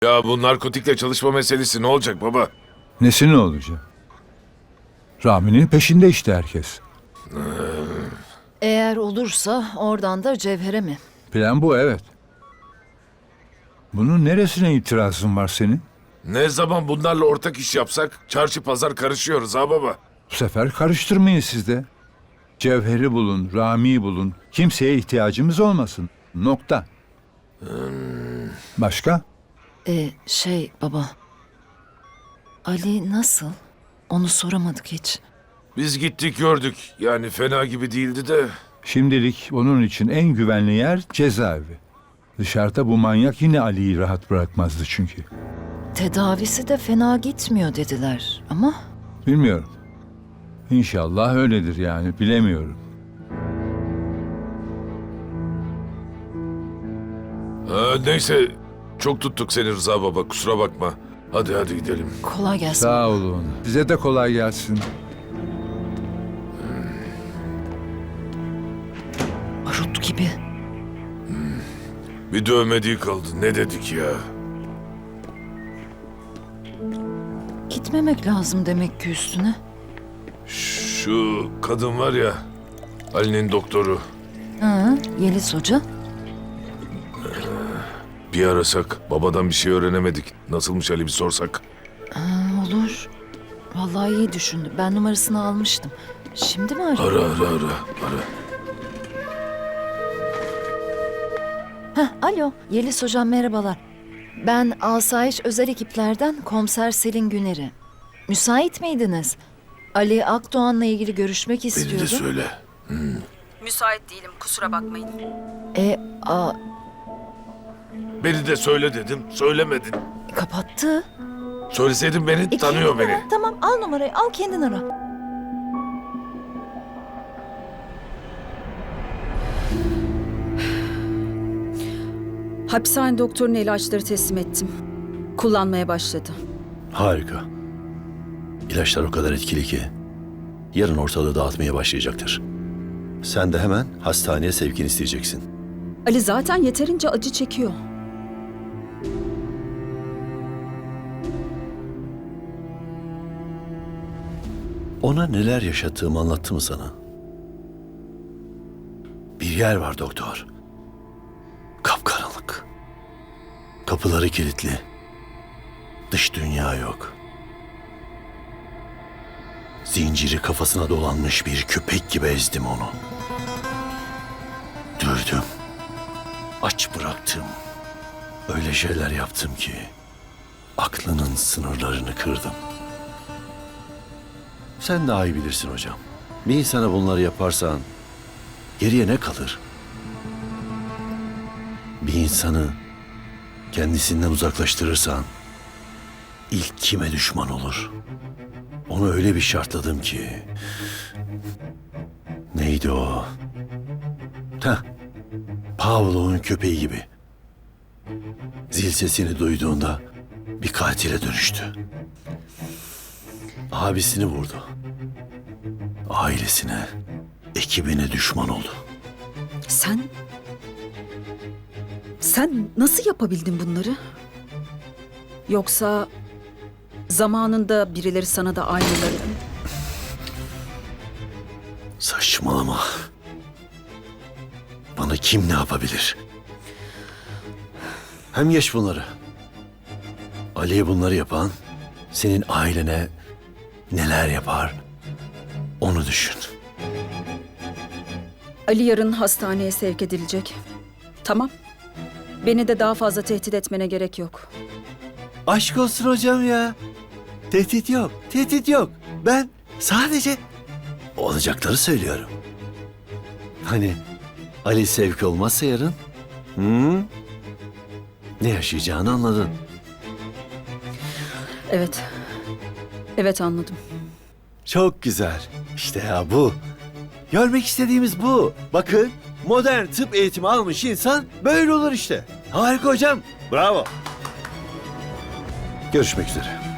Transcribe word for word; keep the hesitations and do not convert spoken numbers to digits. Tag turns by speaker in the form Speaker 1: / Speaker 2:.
Speaker 1: Ya bu narkotikle çalışma meselesi ne olacak baba?
Speaker 2: Nesi ne olacak? Rami'nin peşinde işte herkes.
Speaker 3: Eğer olursa oradan da Cevher'e mi?
Speaker 2: Plan bu, evet. Bunun neresine itirazın var senin?
Speaker 1: Ne zaman bunlarla ortak iş yapsak çarşı pazar karışıyoruz ha baba.
Speaker 2: Bu sefer karıştırmayın siz de. Cevher'i bulun, Rami'yi bulun. Kimseye ihtiyacımız olmasın. Nokta. Başka?
Speaker 3: Ee, şey baba. Ali nasıl? Onu soramadık hiç.
Speaker 1: Biz gittik gördük. Yani fena gibi değildi de.
Speaker 2: Şimdilik onun için en güvenli yer cezaevi. Dışarıda bu manyak yine Ali'yi rahat bırakmazdı çünkü.
Speaker 3: Tedavisi de fena gitmiyor dediler ama
Speaker 2: Bilmiyorum. İnşallah öyledir yani, bilemiyorum.
Speaker 1: Ha, neyse çok tuttuk seni Rıza baba, kusura bakma. Hadi hadi gidelim.
Speaker 3: kolay gelsin.
Speaker 2: Sağ olun. Size de kolay gelsin.
Speaker 3: Barut gibi.
Speaker 1: Bir dövmediği kaldı, ne dedik ya?
Speaker 3: Gitmemek lazım demek ki üstüne.
Speaker 1: Şu kadın var ya, Ali'nin doktoru.
Speaker 3: Ha, Yeliz Hoca.
Speaker 1: Bir arasak, babadan bir şey öğrenemedik. Nasılmış Ali bir sorsak.
Speaker 3: Ha, olur. Vallahi iyi düşündüm. Ben numarasını almıştım. Şimdi mi arayayım?
Speaker 1: Ara ara ara ara.
Speaker 3: Heh, alo, Yeliz Hocam merhabalar. Ben Asayiş Özel Ekiplerden Komiser Selin Güner'i. Müsait miydiniz? Ali Akdoğan'la ilgili görüşmek
Speaker 1: Beni de
Speaker 3: istiyordum.
Speaker 1: söyle.
Speaker 4: Müsait değilim, kusura bakmayın.
Speaker 3: E, a,
Speaker 1: Beni de söyle dedim, söylemedin.
Speaker 3: kapattı.
Speaker 1: Söyleseydin beni,
Speaker 3: E,
Speaker 1: tanıyor
Speaker 3: kendin
Speaker 1: beni.
Speaker 3: ara. Tamam, al numarayı, al kendin ara.
Speaker 4: Hapishane doktoruna ilaçları teslim ettim. Kullanmaya başladı.
Speaker 5: Harika. İlaçlar o kadar etkili ki yarın ortalığı dağıtmaya başlayacaktır. Sen de hemen hastaneye sevkini isteyeceksin.
Speaker 4: Ali zaten yeterince acı çekiyor.
Speaker 5: Ona neler yaşattığımı anlattı mı sana? Bir yer var doktor. Kapkaranlık. Kapıları kilitli. Dış dünya yok. Zinciri kafasına dolanmış bir köpek gibi ezdim onu. Dövdüm. Aç bıraktım. Öyle şeyler yaptım ki aklının sınırlarını kırdım. Sen daha iyi bilirsin hocam. Bir insana bunları yaparsan geriye ne kalır? Bir insanı kendisinden uzaklaştırırsan ilk kime düşman olur? Onu öyle bir şartladım ki... Neydi o? Heh, Pavlov'un köpeği gibi. Zil sesini duyduğunda bir katile dönüştü. Abisini vurdu. Ailesine, ekibine düşman oldu.
Speaker 4: Sen... Sen nasıl yapabildin bunları? Yoksa zamanında birileri sana da aynıları...
Speaker 5: Saçmalama. Bana kim ne yapabilir? Hem geç bunları. Ali'ye bunları yapan senin ailene neler yapar onu düşün.
Speaker 4: Ali yarın hastaneye sevk edilecek. Tamam. Beni de daha fazla tehdit etmene gerek yok.
Speaker 5: Aşk olsun hocam ya. Tehdit yok, tehdit yok. Ben sadece olacakları söylüyorum. Hani Ali sevk olmazsa yarın, hı? Ne yaşayacağını anladın.
Speaker 4: Evet. Evet anladım.
Speaker 5: Çok güzel. İşte ya bu. Görmek istediğimiz bu. Bakın, modern tıp eğitimi almış insan böyle olur işte. Harika hocam. Bravo. Görüşmek üzere.